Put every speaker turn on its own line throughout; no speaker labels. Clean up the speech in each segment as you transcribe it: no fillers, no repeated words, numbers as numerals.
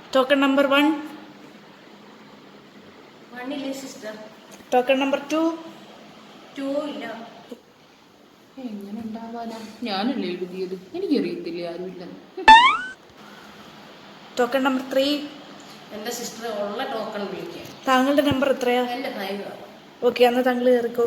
Token number 1.
1 ഇല്ലേ sister?
Token number 2.
2 ഇല്ല.
എങ്ങനെ ഉണ്ടാവാനാ? ഞാനല്ലേ എഴുതിയത്, എനിക്കറിയത്തില്ല ആരുമില്ലെന്ന്.
Token number 3.
എൻ്റെ സിസ്റ്റർ ഉള്ള ടോക്കൺ വിളിക്കുക.
താങ്കളുടെ നമ്പർ എത്രയാ?
എൻ്റെ 5.
ഓക്കെ, അന്ന് താങ്കൾ കയറിക്കോ.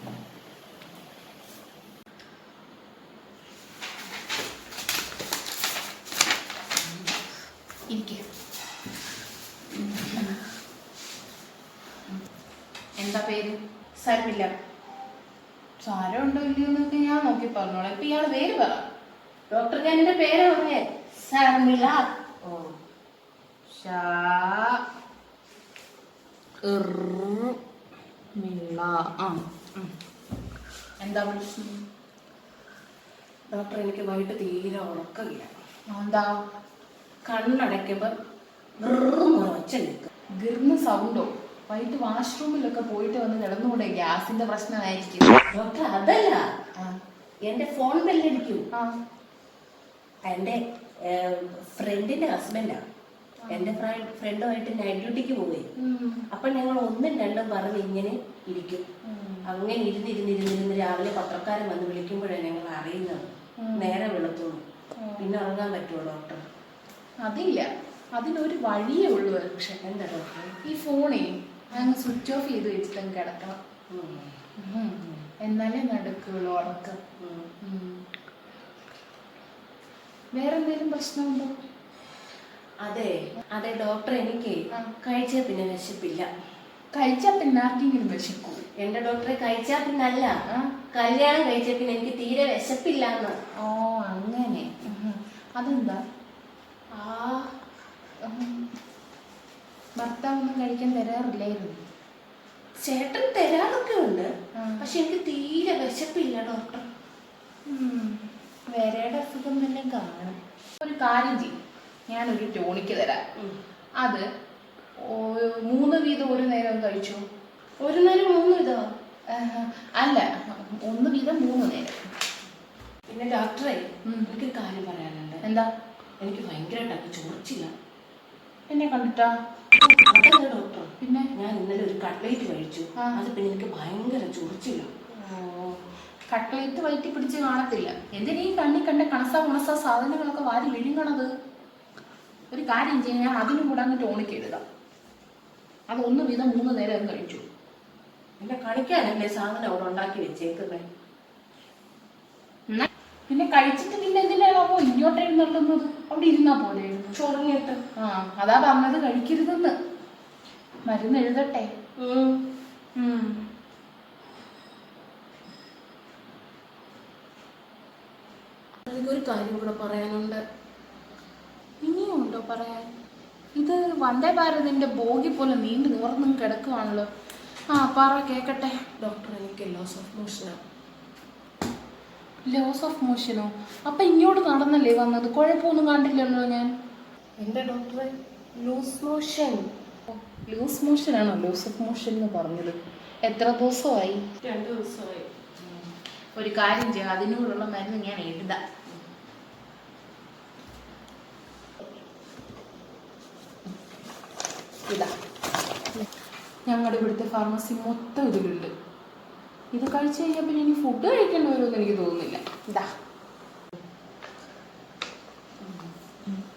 എന്താ പേര്?
സാരമില്ല.
സാരം ഉണ്ടോ ഇല്ലയോ എന്നൊക്കെ ഞാൻ നോക്കി പറഞ്ഞോളാം. ഇപ്പൊ ഇയാള് പേര് പറ.
ഡോക്ടർ, ഞാൻ എൻ്റെ പേര് പറഞ്ഞേ. സാരമില്ല.
ഓ, എന്താ പ്രശ്നം?
ഡോക്ടർ, എനിക്ക് വൈകിട്ട് തീരെ ഉറക്കമില്ല.
എന്താ?
കണ്ണടയ്ക്കുമ്പോൾ ഒച്ച നിൽക്കും.
ഗിർന്ന് സൗണ്ടോ? വൈകിട്ട് വാഷ്റൂമിലൊക്കെ പോയിട്ട് വന്ന് കിടന്നുകൂടെ? ഗ്യാസിന്റെ പ്രശ്നമായിരിക്കും.
ഡോക്ടർ, അതല്ല, എൻ്റെ ഫോൺ ബെല്ലടിക്കും. എൻ്റെ ഫ്രണ്ടിന്റെ ഹസ്ബൻഡാ. എൻ്റെ ഫ്രണ്ടുമായിട്ട് നൈറ്റ് ഡ്യൂട്ടിക്ക് പോയി. അപ്പൊ ഞങ്ങൾ ഒന്നും രണ്ടും പറഞ്ഞ് ഇങ്ങനെ ഇരിക്കും. അങ്ങനെ ഇരുന്നിരുന്നിരുന്നിരുന്ന് രാവിലെ പത്രക്കാരൻ വന്ന് വിളിക്കുമ്പോഴാണ് ഞങ്ങൾ അറിയുന്നത്. നേരെ വെളുത്തുള്ളൂ. പിന്നെ ഉറങ്ങാൻ പറ്റുമോ ഡോക്ടർ?
അതില്ല, അതിനൊരു വഴിയേ ഉള്ളൂ. പക്ഷെ
എന്താ ഡോക്ടർ?
ഈ ഫോണേ അങ്ങ് സ്വിച്ച് ഓഫ് ചെയ്ത് വെച്ചിട്ട് കിടക്കണം. എന്നാലേ നടക്കുള്ളൂ ഉറക്കം. വേറെന്തെങ്കിലും പ്രശ്നമുണ്ടോ?
അതെ അതെ ഡോക്ടർ, എനിക്ക് കഴിച്ചാൽ പിന്നെ വിശപ്പില്ല.
കഴിച്ചാൽ പിന്നെ ആർക്കെങ്കിലും വിശക്കൂ?
എന്റെ ഡോക്ടറെ, കഴിച്ചാൽ പിന്നല്ല, കല്യാണം കഴിച്ചാൽ പിന്നെ എനിക്ക് തീരെ വിശപ്പില്ല എന്ന്.
ഓ, അങ്ങനെ. അതെന്താ? ഭർത്താവൊന്നും കഴിക്കാൻ തരാറില്ലായിരുന്നു?
ചേട്ടൻ തരാറൊക്കെ ഉണ്ട്, പക്ഷെ എനിക്ക് തീരെ വിശപ്പില്ല ഡോക്ടർ.
വേറെയുടെ അസുഖം തന്നെ കാണും. ഒരു കാര്യം ചെയ്യും, ഞാനൊരു ടോണിക്ക് തരാം. അത് 3 വീതം ഒരു നേരം കഴിച്ചു.
ഒരു നേരം 3 വീതോ?
അല്ല, 1 വീതം 3 നേരം.
പിന്നെ ഡോക്ടറെ, എനിക്കൊരു കാര്യം പറയാനുണ്ട്.
എന്താ?
എനിക്ക് ഭയങ്കരമായിട്ട് ചോർച്ചില്ല.
എന്നെ കണ്ടിട്ടാ?
അതല്ല ഡോക്ടർ,
പിന്നെ
ഞാൻ ഇന്നലെ ഒരു കട്ട്ലേറ്റ് കഴിച്ചു. അത് പിന്നെ എനിക്ക് ഭയങ്കര ചോർച്ചില്ല.
കട്ട്ലേറ്റ് വയറ്റി പിടിച്ച് കാണത്തില്ല. എന്തിനാ ഈ കണ്ണി കണ്ട കണസ സാധനങ്ങളൊക്കെ വാരി വിഴുങ്ങണത്? ഒരു കാര്യം ചെയ്യാൻ, ഞാൻ അതിനും കൂടെ അങ്ങ് ടോണിക്ക് എഴുതാം. അത് 1 വീതം 3 നേരം കഴിച്ചു.
എന്നെ കളിക്കാനല്ലേ സാധനം അവിടെ ഉണ്ടാക്കി വെച്ചേക്കുന്നേ.
പിന്നെ കഴിച്ചിട്ട് പിന്നെ എന്തിനാണോ ഇങ്ങോട്ട് എഴുന്നള്ളുന്നത്? അവിടെ ഇരുന്നാ പോലെ
ചൊറിഞ്ഞിട്ട്.
അതാ പറഞ്ഞത് കഴിക്കരുതെന്ന്. മരുന്ന് എഴുതട്ടെ?
എനിക്കൊരു കാര്യം കൂടെ പറയാനുണ്ട്.
ഇനിയും ഉണ്ടോ പറയാൻ? ഇത് വന്ദേ ഭാരതിന്റെ ബോഗി പോലെ നീണ്ടു നിവർന്നും കിടക്കുവാണല്ലോ. പറ, കേക്കട്ടെ.
ഡോക്ടർ, എനിക്ക് ലോസ് ഓഫ് മോഷനാണ്.
ലോസ് ഓഫ് മോഷനോ? അപ്പൊ ഇങ്ങോട്ട് നടന്നല്ലേ വന്നത്? കുഴപ്പമൊന്നും കണ്ടില്ലല്ലോ ഞാൻ.
എന്താ ഡോക്ടറെ? Loose motion.
ലൂസ് മോഷനാണോ ലോസ് ഓഫ് മോഷൻ എന്ന് പറഞ്ഞത്? എത്ര ദിവസമായി?
2 ദിവസമായി.
ഒരു കാര്യം ചെയ്യാം, അതിനോടുള്ള മരുന്ന് ഞാൻ എഴുതാം. ഇതാ, ഞങ്ങളുടെ ഇവിടുത്തെ ഫാർമസി മൊത്തം ഇതിലുണ്ട്. ഇത് കഴിച്ചു കഴിഞ്ഞാൽ പിന്നെ ഇനി ഫുഡ് കഴിക്കേണ്ടി വരുമെന്ന് എനിക്ക് തോന്നുന്നില്ല. ഇതാ.